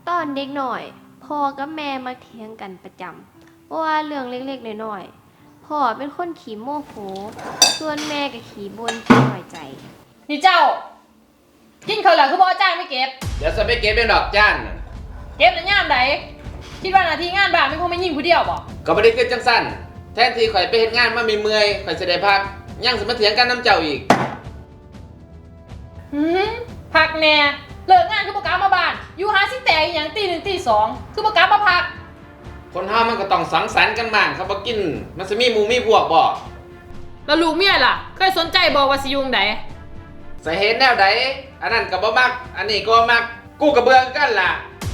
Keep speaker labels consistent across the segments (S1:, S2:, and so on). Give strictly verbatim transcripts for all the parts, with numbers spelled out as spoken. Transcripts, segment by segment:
S1: ตอนเด็กหน่อยพ่อกับแม่มาเถียงกันประจำเพราะว่าเรื่องเล็กๆน้อยๆพ่อเป็นคนขี้โมโหส่วนแม่ก็ขี้บ่นขี้น้อยใจ
S2: นี่เจ้ากินข้าวเหลือคือบ่จ้างไม่เก็บ
S3: เดี๋ยวจะไปเก็บเป็นดอกจ้านน่ะ
S2: เก็บแล้วย่ามใดคิดว่าหน้าที่งานบ้านไม่คงไม่ยิ่งผู้เดียวบ่
S3: ก็บ่ได้คือจังซั่นแทนที่ข่อยไปเฮ็ดงานมาเมื่อยๆข่อยสิได้พักยังสิมาเถียงกันน้ำเจ้าอีก
S2: หืมพักแน่เลิกงานคือบ่กลับมาบ้านอยู่หาสิแตกอีหยังตีหนึ่งตีสองคือบ่กลับมาพัก
S3: คนเฮามันก็ต้องสังสรรค์กันบ้างครับบ่กินมันสิมีหมู่มีพวกบ่
S2: แล้วลูกเมียล่ะเคยสนใจบ่ว่าสิอยู่จั่งใด
S3: สิเฮ็ดแนวใดอันนั้นก็บ่มักอันนี้ก็บ่มักกูก็เบื่อกันล่ะ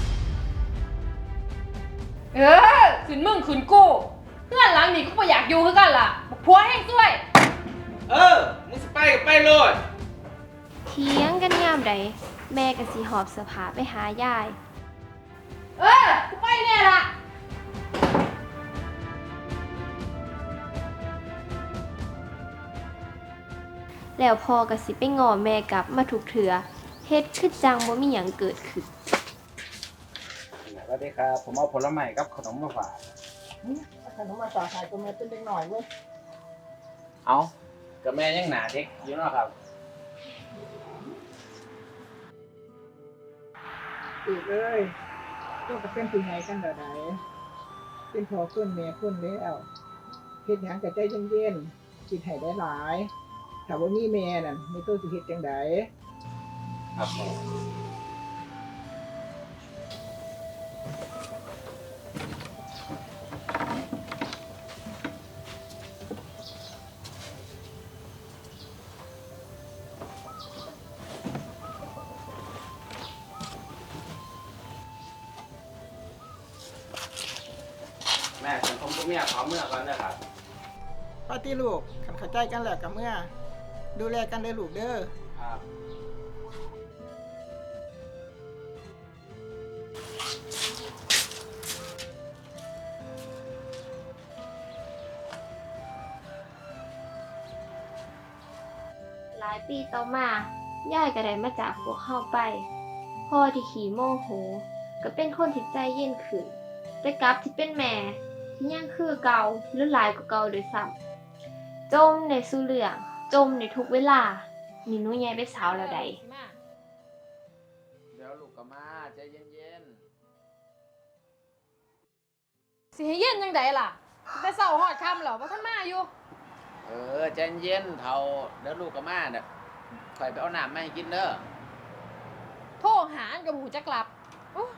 S2: เออขึ้นมึงขึ้นกูเพื่อนหลังนี่กูบ่อยากอยู่คือกันล่ะบักผัวแห้งซวย
S3: เออมึงสิไปก็ไปโลด
S1: เถียงกันยามใดแม่ก็สิหอบเสื้อผ้าไปหายาย
S2: เออกูไปแน่ล่ะ
S1: แล้วพ่อก็สิไปง้อแม่กลับมาทุกเถื่อเฮ็ดคือจังบ่มีหยังเกิดขึ้น
S4: สวัสดีครับผมเอาผลไม้กับขนมมาฝาก
S5: ขนมมาฝากขายตัวแม่เป็นเด็กหน่อยเว้ย
S4: เอากับแม่ยังหนาเด็กอยู่เนาะครับ
S5: อีกเลยต้องกับเป็นผู้ใหญ่กันเดี๋ยวไหนเป็นพอขึ้นแม่ขึ้นแล้วเฮ็ดหยังกับใจเย็นๆคิดให้ได้หลายถ้าว่ามีแม่นั่นไม่ต้องสิเฮ็ดจังได
S4: ครับแม่ฉันคงต้องเมียขอเมื่อก่อนนะครับ
S5: ป้าตี้ลูกขันเข้าใจกันแล้วกับเมื่อดูแลกันเด้อลูกเด้อ
S4: ครับ
S1: หลายปีต่อมาย่ายก็ได้มาจากพวกเฮาไปพ่อที่ขี้โมโหก็เป็นคนที่ใจเย็นขึ้นแต่กลับที่เป็นแม่ที่ยังคือเก่าหรือหลายกว่าเก่าโดยซ้ำจมในสู่เรื่องจมในทุกเวลานี่หนูใหญ่เป็นสาวแล้วใด
S3: เดี๋ยวลูกก็มาใจเย็น
S2: สิให้เย็นจังไดล่ะแต่เช้าฮอดค่ำแล้วบ่ทันมาอยู่
S3: ๆเออใจเย็นเฒ่าเดี๋ยวลูกก็มาน่ะข่อยไปเอาน้ำมาให้กินเด้อ
S2: โทรหาก็บ่ฮู้จักกลับโอ้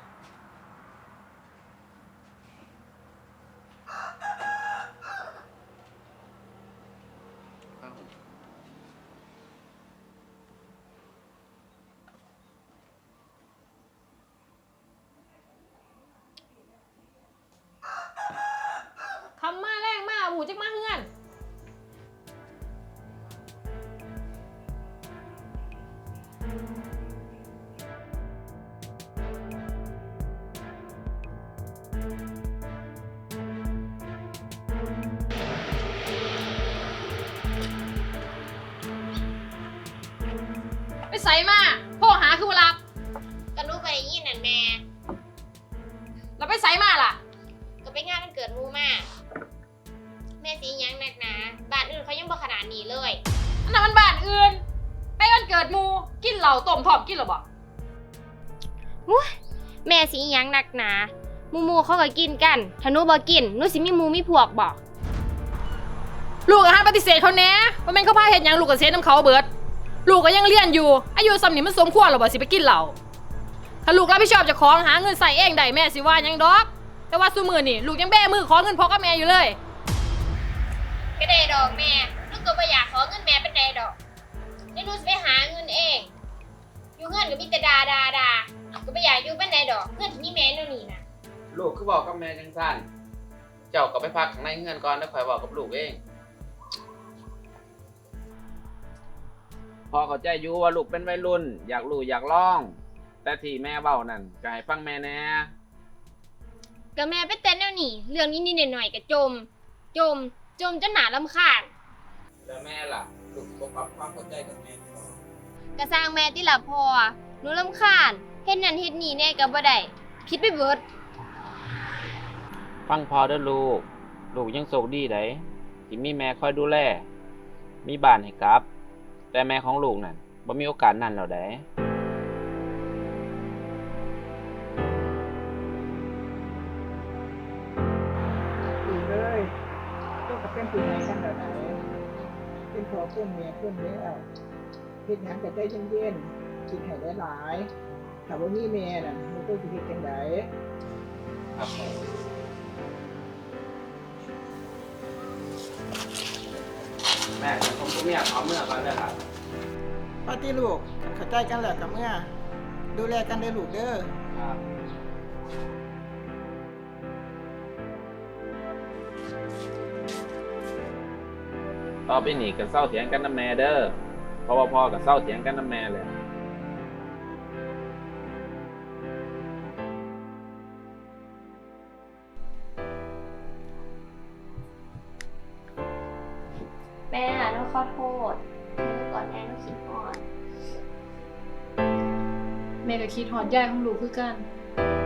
S2: คำมาแรงมาหมูจักมาเฮือนไปใส่มาโทรหาคือบ่รับ
S1: ก็หนูไปยินนั่นแม่
S2: แล้วไปใส่มาล่ะ
S1: ก็ไปงานวันเกิดหมู่มาแม่สิหยังนักหนาบ้านอื่นเขายังบ่ขนาดนี้เลย
S2: อันนั้นมันบ้านอื่นไปวันเกิดหมู่กินเหล้าต้มพร้อมกินหรอบ่
S1: อุ๊ยแม่สิหยังนักหนาหมู่ๆเขาก็กินกันถ้าหนูบ่กินหนูสิมีหมู่มีพวกบ่
S2: ลูกก็ห้ามปฏิเสธเขาแน่ว่าแม่นเขาพาเฮ็ดหยังลูกก็เสียน้ำเขาเบิดลูกก็ยังเรียนอยู่อายุส่ำนี้มันสมควรหรอบ่สิไปกินเหล้าถ้าลูกรับผิดชอบเจ้าของหาเงินใส่เองได้แม่สิว่าหยังดอกแต่ว่าซุมื้อนี่ลูกยังแบ้มือขอเงินพ่อกับแม่อยู่เลย
S1: ก็ได้ดอกแม่ลูกก็บ่อยากขอเงินแม่เป็นไดดอกเดี๋ยวหนูสิไปหาเงินเองอยู่เงินก็มีแต่ดาดาดาก็บ่อยากอยู่เป็นไดดอกเงินที่มีแม่เดี๋ยวนี้น่ะ
S3: ลูกคือบอกกับแม่จังซั่นเจ้าก็ไปพักข้างในเฮือนก่อนแล้วค่อยบอกกับลูกเองพ่อเข้าใจอยู่ว่าลูกเป็นวัยรุ่นอยากรู้อยากลองแต่ที่แม่เว้านั่นก็ให้ฟังแม่แน่
S1: ก็แม่ไปแต่แนวนี้เรื่องนิดๆหน่อยๆก็จมจมจมจนหน้ารำคาญ
S3: แล้วแม่ล่ะลูกบ่ปรับความเข้าใจกับแม่
S1: ก็สร้างแม่ติล่ะพ่อหนูรำคาญเฮ็ดนั่นเฮ็ดนี่แน่ก็บ่ได้
S2: ผิดไปเบิด
S3: ฟังพอเด้อลูก ลูกยังโชคดีไดที่มีแม่คอยดูแล มีบ้านให้กลับ แต่แม่ของลูกนั่นบ่มีโอกาสนั้นแล้วได
S5: ลูกเอ้ยเจ้าก็เป็นผู้ใหญ่กันแล้วไหนเป็นพ่อคนแม่คนแล้วเฮ็ดหยังก็ใจเย็นๆคิดให้หลายๆถ้าบ่มีแม่น่ะมันต้องสิเฮ็ดจังได
S3: ครับแม่ผมก็ไม่อยากเอาเมื่อก่อนเลยครับ
S5: ปาติลูกเข้าใจกันแล้วกับเมื่อดูแลกันเด้อลูกเด้อ
S3: ครับ ต่อไปนี่ก็เศร้าเถียงกันน้ำแม่เด้อเพราะว่าพ่อก็เศร้าเถียงกันน้ำแม่เลย
S1: แม่หนูขอโทษหนูก่อนแม่หนูคิดฮอด
S2: แม่ก็คิดฮอดยายของลูกคือกัน
S1: แ